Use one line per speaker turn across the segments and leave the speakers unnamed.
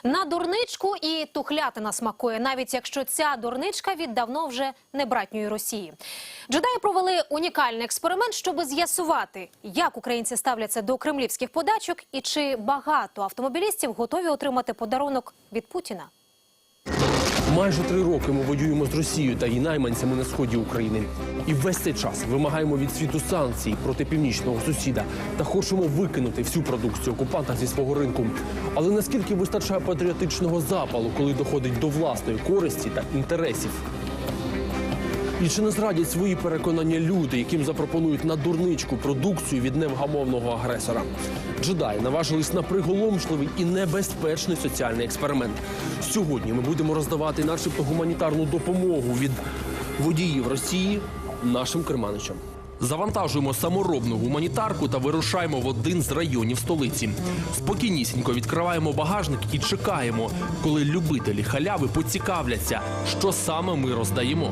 На дурничку і тухлятина смакує, навіть якщо ця дурничка віддавно вже не братньої Росії. Джедаї провели унікальний експеримент, щоб з'ясувати, як українці ставляться до кремлівських подачок і чи багато автомобілістів готові отримати подарунок від Путіна.
Майже 3 роки ми воюємо з Росією та її найманцями на сході України. І весь цей час вимагаємо від світу санкцій проти північного сусіда та хочемо викинути всю продукцію окупанта зі свого ринку. Але наскільки вистачає патріотичного запалу, коли доходить до власної користі та інтересів? І чи не зрадять свої переконання люди, яким запропонують на дурничку продукцію від невгамовного агресора? Джедаї наважились на приголомшливий і небезпечний соціальний експеримент. Сьогодні ми будемо роздавати начебто гуманітарну допомогу від водіїв Росії нашим керманичам. Завантажуємо саморобну гуманітарку та вирушаємо в один з районів столиці. Спокійнісінько відкриваємо багажник і чекаємо, коли любителі халяви поцікавляться, що саме ми роздаємо.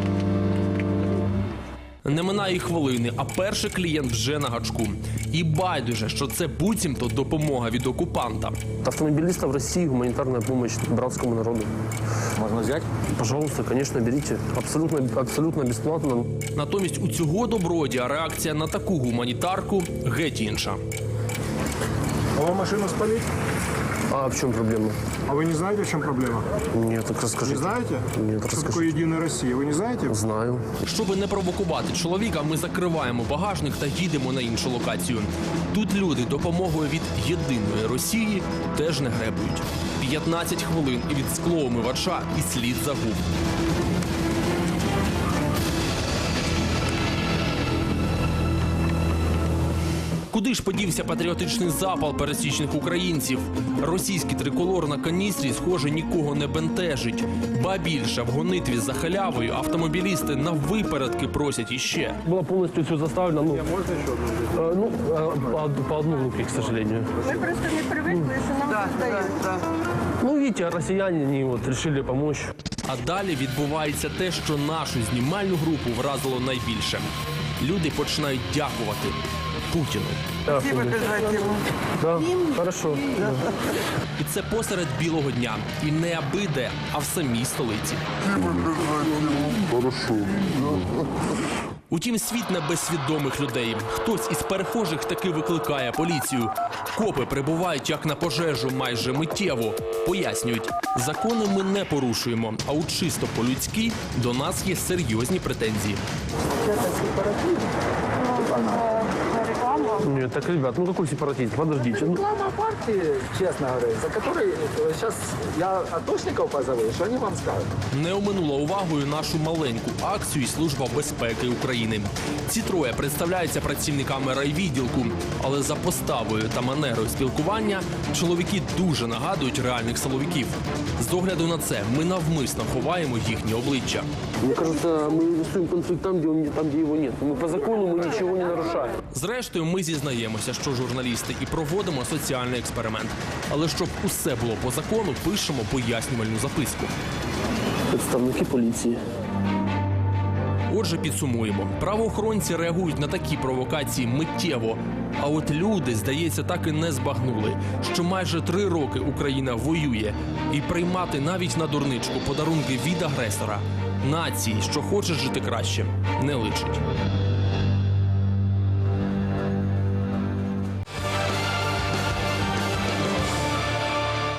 Не минає й хвилини, а перший клієнт вже на гачку. І байдуже, що це буцімто допомога від окупанта. Автомобилистов в России гуманитарная помощь братскому народу.
Можно взять?
Пожалуйста, конечно, берите. Абсолютно бесплатно. Натомість у цього добродія реакція на таку гуманітарку геть інша.
А вам машину спалить?
А в чем проблема?
А вы не знаете, в чем проблема?
Нет, так расскажите.
Не знаете?
Нет,
Что
расскажите.
такое Единая Россия? Вы не знаете?
Знаю. Щоби не провокувати чоловіка, ми закриваємо багажник та їдемо на іншу локацію. Тут люди допомогою від Єдиної Росії теж не гребують. 15 хвилин і від склоомивача і слід загуб. Куди ж подівся патріотичний запал пересічних українців? Російський триколор на каністрі, схоже, нікого не бентежить. Ба більше, в гонитві за халявою автомобілісти на випередки просять іще. Було повністю все заставлено.
Можно еще одну взять?
По одному руки, к сожалению.
Мы просто не привыкли, что нам да.
Ну, видите, росіяни вони вирішили допомогти. А далі відбувається те, що нашу знімальну групу вразило найбільше. Люди починають дякувати Путіну.
Спасибо обязательно.
Да, хорошо. І це посеред білого дня. І не аби-де, а в самій столиці. Утім, світ не без свідомих людей. Хтось із перехожих таки викликає поліцію. Копи прибувають як на пожежу майже миттєво. Пояснюють, закони ми не порушуємо, а от чисто по-людськи до нас є серйозні претензії. Нет, так, ребят, ну какой сепаратизм? Подождите.
Реклама партии, честно говоря, за которой сейчас я атошников позову, что они вам скажут?
Не оминула увагою нашу маленьку акцію і Служба безпеки України. Ці троє представляються працівниками райвідділку, але за поставою та манерою спілкування чоловіки дуже нагадують реальних силовиків. З огляду на це ми навмисно ховаємо їхні обличчя.
Мне кажется, мы рисуем конфликт там, где его нет. Мы по закону мы ничего не нарушаем.
Зрештою, ми зізнаємося, що журналісти, і проводимо соціальний експеримент. Але щоб усе було по закону, пишемо пояснювальну записку.
Представники поліції.
Отже, підсумуємо. Правоохоронці реагують на такі провокації миттєво. А от люди, здається, так і не збагнули, що майже 3 роки Україна воює. І приймати навіть на дурничку подарунки від агресора нації, що хоче жити краще, не личить.